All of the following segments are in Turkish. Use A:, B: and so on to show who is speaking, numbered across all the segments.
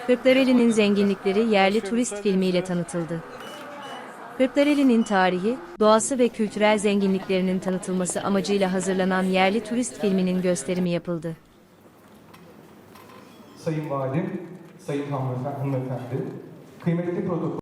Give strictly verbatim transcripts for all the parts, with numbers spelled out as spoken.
A: Kırklareli'nin zenginlikleri yerli turist filmiyle tanıtıldı. Kırklareli'nin tarihi, doğası ve kültürel zenginliklerinin tanıtılması amacıyla hazırlanan yerli turist filminin gösterimi yapıldı.
B: Sayın Valim, Sayın hanımefendi, hanımefendi, kıymetli protokol...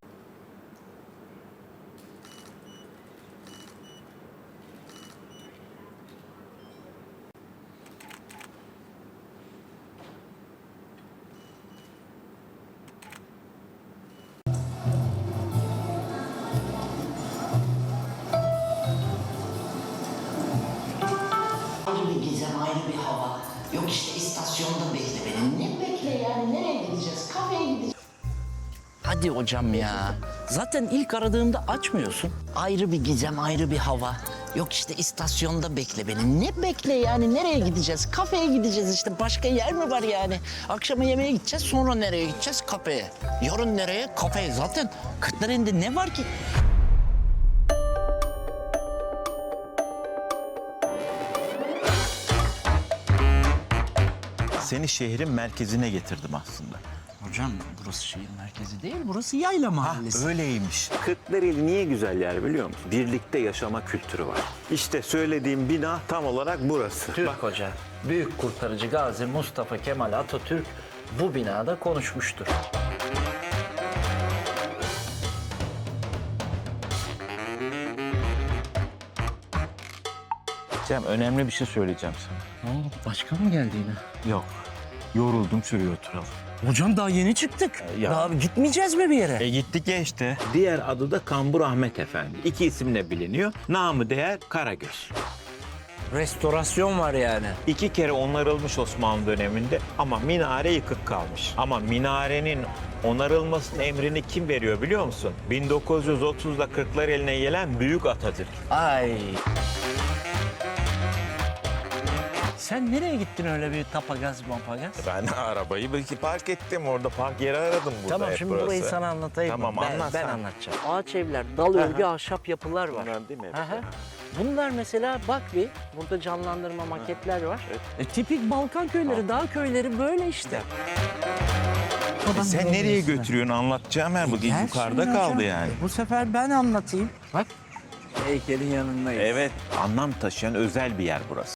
C: Ayrı bir gizem, ayrı bir hava. Yok işte istasyonda bekle beni. Ne bekle yani? Nereye gideceğiz? Kafeye gideceğiz.
D: Hadi hocam ya. Zaten ilk aradığımda açmıyorsun.
C: Ayrı bir gizem, ayrı bir hava. Yok işte istasyonda bekle beni. Ne bekle yani? Nereye gideceğiz? Kafeye gideceğiz işte. Başka yer mi var yani? Akşama yemeğe gideceğiz. Sonra nereye gideceğiz? Kafeye. Yarın nereye? Kafeye. Zaten Kırklareli'nde ne var ki?
E: Seni şehrin merkezine getirdim aslında.
D: Hocam burası şehir merkezi değil, burası yayla mahallesi.
E: Öyleymiş. Kırklareli niye güzel yer biliyor musun? Birlikte yaşama kültürü var. İşte söylediğim bina tam olarak burası.
D: Türk Hoca, büyük kurtarıcı Gazi Mustafa Kemal Atatürk bu binada konuşmuştur.
E: Cem, önemli bir şey söyleyeceğim sana.
D: Ne oldu? Başkan mı geldi yine?
E: Yok. Yoruldum, şuraya oturalım.
D: Hocam daha yeni çıktık.
E: Ya.
D: Daha gitmeyeceğiz mi bir yere?
E: E gittik ya işte. Diğer adı da Kambur Ahmet Efendi. İki isimle biliniyor. Namı değer Karagöz.
D: Restorasyon var yani.
E: İki kere onarılmış Osmanlı döneminde ama minare yıkık kalmış. Ama minarenin onarılmasının emrini kim veriyor biliyor musun? bin dokuz yüz otuzda Kırklareli'ne gelen Büyük Atatürk.
D: Ay. Sen nereye gittin öyle bir tapagaz mapagaz?
E: Ben arabayı belki park ettim orada, park yeri aradım burada.
D: Tamam
E: hep
D: şimdi
E: burası.
D: burayı sana anlatayım.
E: Tamam,
D: mı? ben,
E: anlat
D: ben
E: sen.
D: anlatacağım. Ağaç evler, dal örgü, ahşap yapılar var.
E: Bunlar değil mi hepsi?
D: Aha. Bunlar mesela bak bir, burada canlandırma maketler var. E, tipik Balkan köyleri, dağ köyleri böyle işte.
E: E sen nereye götürüyorsun, anlatacağım her bugün
D: Gel
E: yukarıda
D: şimdi
E: kaldı
D: hocam.
E: yani.
D: Bu sefer ben anlatayım. Bak heykelin yanındayız.
E: Evet, anlam taşıyan özel bir yer burası.